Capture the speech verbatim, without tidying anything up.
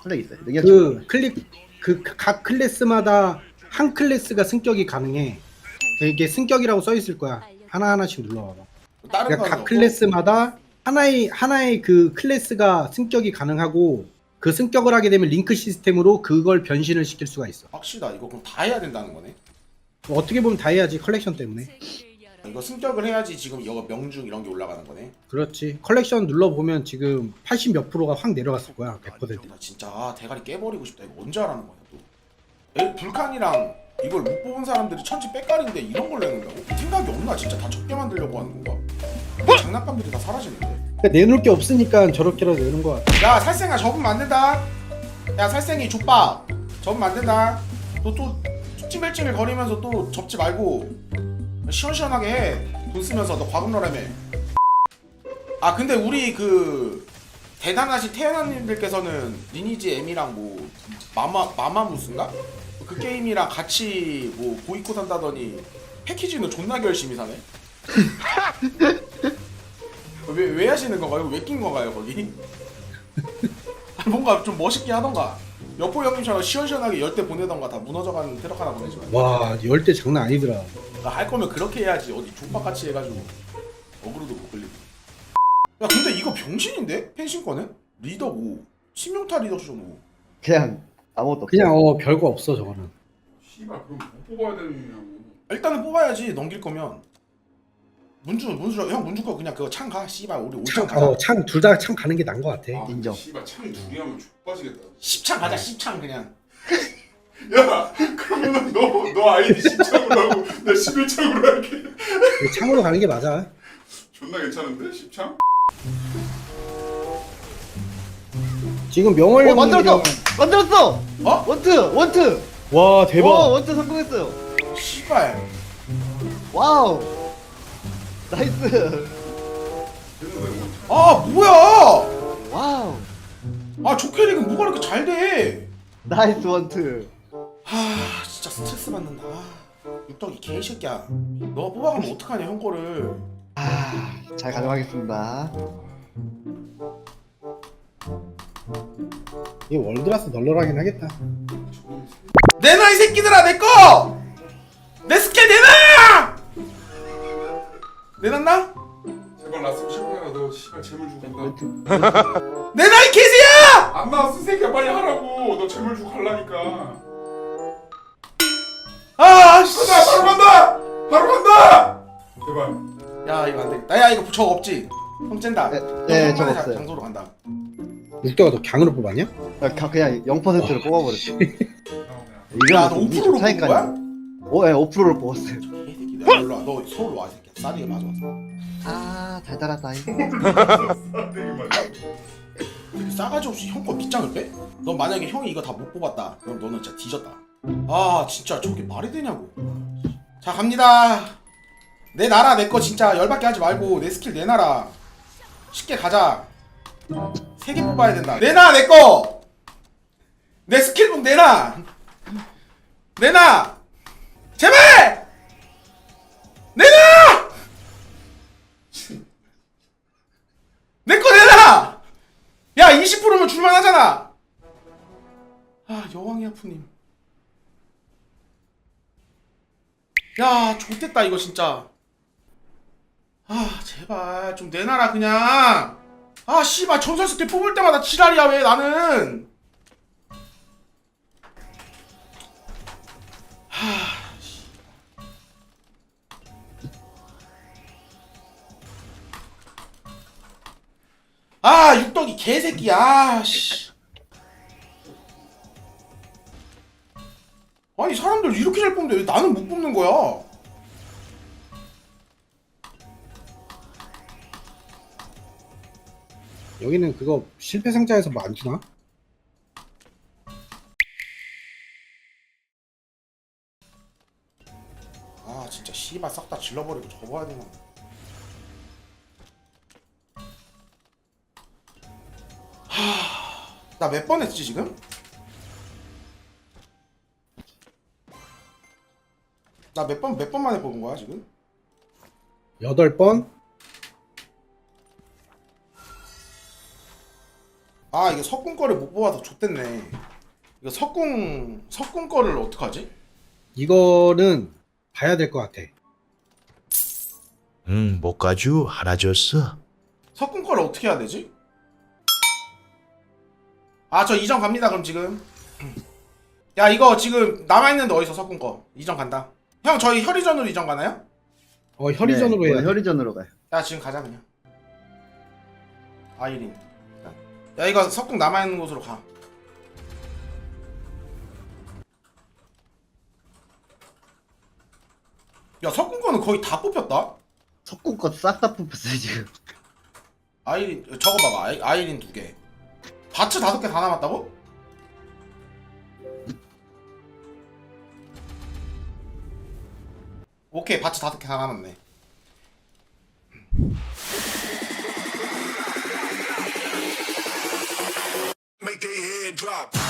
클릭 있어요. 능력 그 클릭 그 각 클래스마다 한 클래스가 승격이 가능해. 이게 승격이라고 써 있을 거야. 하나 하나씩 눌러봐봐. 다른 그러니까 거는 각 없고? 클래스마다 하나의 하나의 그 클래스가 승격이 가능하고 그 승격을 하게 되면 링크 시스템으로 그걸 변신을 시킬 수가 있어. 확실하다. 이거 그럼 다 해야 된다는 거네. 어떻게 보면 다 해야지 컬렉션 때문에. 이거 승격을 해야지 지금 이거 명중 이런 게 올라가는 거네. 그렇지. 컬렉션 눌러보면 지금 팔십 몇 프로가 확 내려갔을 거야. 백 퍼센트. 나 진짜 아, 대가리 깨버리고 싶다. 이거 언제 하라는 거야 또. 에, 불칸이랑 이걸 못 뽑은 사람들이 천지 빽깔인데 이런 걸 내는다고? 생각이 없나? 진짜 다 적게 만들려고 하는 건가? 뭐? 장난감들이 다 사라지는데. 그러니까 내놓을 게 없으니까 저렇게라도 내는 거야. 야 살생아 접으면 안 된다. 야 살생이 족밥 접으면 안 된다. 너 또 찡글찡글 거리면서 또 접지 말고 시원시원하게 해. 돈 쓰면서 너 과금러라며. 아 근데 우리 그 대단하신 태연아님들께서는 리니지 M이랑 뭐 마마 마마무스인가? 그 게임이랑 같이 뭐 보이콧 한다더니 패키지는 존나게 열심히 사네. 왜, 왜 하시는 건가요? 왜 낀 건가요 거기? 뭔가 좀 멋있게 하던가. 여포 형님처럼 시원시원하게 열대 보내던가. 다 무너져가는 트럭 하나 보내지 말고. 와, 열 대 장난 아니더라. 아, 할 거면 그렇게 해야지. 어디 족박같이 해가지고 어그로도 못 걸리고. 야 근데 이거 병신인데? 펜싱 거는? 리더 오, 신명타 리더 수준 오. 그냥 아무것도 없어. 그냥 어 별거 없어 저거는. 씨발 그럼 못 뽑아야 되느냐고. 일단은 뽑아야지. 넘길 거면 문주 문주 형 문주 거 그냥 그거 창 가. 씨발 우리 오창 가자. 어창 둘 다 창 가는 게 나은 것 같아. 아, 인정. 씨발 창 둘이 하면 족빠지겠다. 십창 가자. 십창 그냥. 야 그러면은 너 너 아이디 십 창으로 하고 나 십일 창으로 할게. 창으로 가는 게 맞아. 존나 괜찮은데 십 창? 지금 명월 어, 만들었어! 만들었어! 어? 원트! 원트! 와 와, 대박. 원트 성공했어요. 씨발. 와우! 나이스! 됐는데 뭐. 아 뭐야? 와우! 아 조캐릭은 뭐가 이렇게 잘 돼? 나이스 원트! 하 진짜 스트레스 받는다. 육덕이 개새끼야. 너 뽑아가면 어떡하냐 형 거를. 아, 잘 가져가겠습니다. 이 월드라스 널널하긴 하겠다. 내놔 이 새끼들아 내 거! 내 스킬 내놔! 내놨나? 제발 나스면 시원해라. 너 씨발 재물 주고 간다. 원트. 내놔 이 개새야! 안 나왔어 이 새끼야 빨리 하라고. 너 재물 주고 갈라니까. 아 씨. 간다 바로 간다. 바로 간다. 제발. 야 이거 안 되겠다. 야 이거 저거 없지? 형 쨘다. 네, 형 네, 한 저거 번에 자- 없어요. 장소로 간다. 육대가 너 강으로 뽑았냐? 나 가- 그냥 영 퍼센트를 뽑아버렸어. 야 너 오 퍼센트로 뽑은 거야? 오, 네, 오 퍼센트를 뽑았어요. 개새끼들. 야 일로 와. 너 서울로 와 이 새끼야. 싸리게 맞아. 아, 달달하다. 이거. 되게 맞아. 싸가지 없이 형 거 밑장을 빼? 너 만약에 형이 이거 다 못 뽑았다. 그럼 너는 진짜 뒤졌다. 아 진짜 저게 말이 되냐고. 자 갑니다. 내 나라 내 거 진짜 열받게 하지 말고 내 스킬 내놔라. 쉽게 가자. 세 개 뽑아야 된다. 내놔 내 거. 내 스킬북 내놔. 내놔. 제발. 내놔. 내 거 내놔. 야 이십 퍼센트면 줄만하잖아. 아 여왕의 아프님. 야 좋댔다 이거 진짜. 아 제발 좀 내놔라 그냥. 아 씨발 전설 스킬 뽑을 때마다 지랄이야 왜 나는. 하. 아 육덕이 개새끼야. 아, 씨. 아니 사람들 이렇게 잘 뽑는데 왜 나는 못 뽑는 거야? 여기는 그거 실패 상자에서 뭐 안 주나? 아 진짜 씨발 싹 다 질러버리고 접어야 되나. 나 몇 번 했지 지금? 나 몇 번 몇 번 만에 뽑은 거야 지금? 여덟 번. 아 이거 석궁 거를 못 뽑아서 좆됐네. 이거 석궁 석궁 거를 어떡하지? 이거는 봐야 될 것 같아. 응, 못가주 하나 줬어. 석궁 거를 어떻게 해야 되지? 아 저 이전 갑니다 그럼 지금. 야 이거 지금 남아있는데 어디서 석궁 거 이전 간다. 형 저희 혈의전으로 이전 가나요? 어 혈의전으로 네, 해야 돼. 혈의전으로 가요. 야 지금 가자 그냥. 아이린. 야 이거 석궁 남아있는 곳으로 가. 야 석궁 거는 거의 다 뽑혔다. 석궁껏 싹 다 뽑혔어요 지금. 아이린 저거 봐봐. 아이, 아이린 두 개. 바츠 다섯 개 다 남았다고? 오케이 바츠 다섯 개 다 남았네. Make their head drop.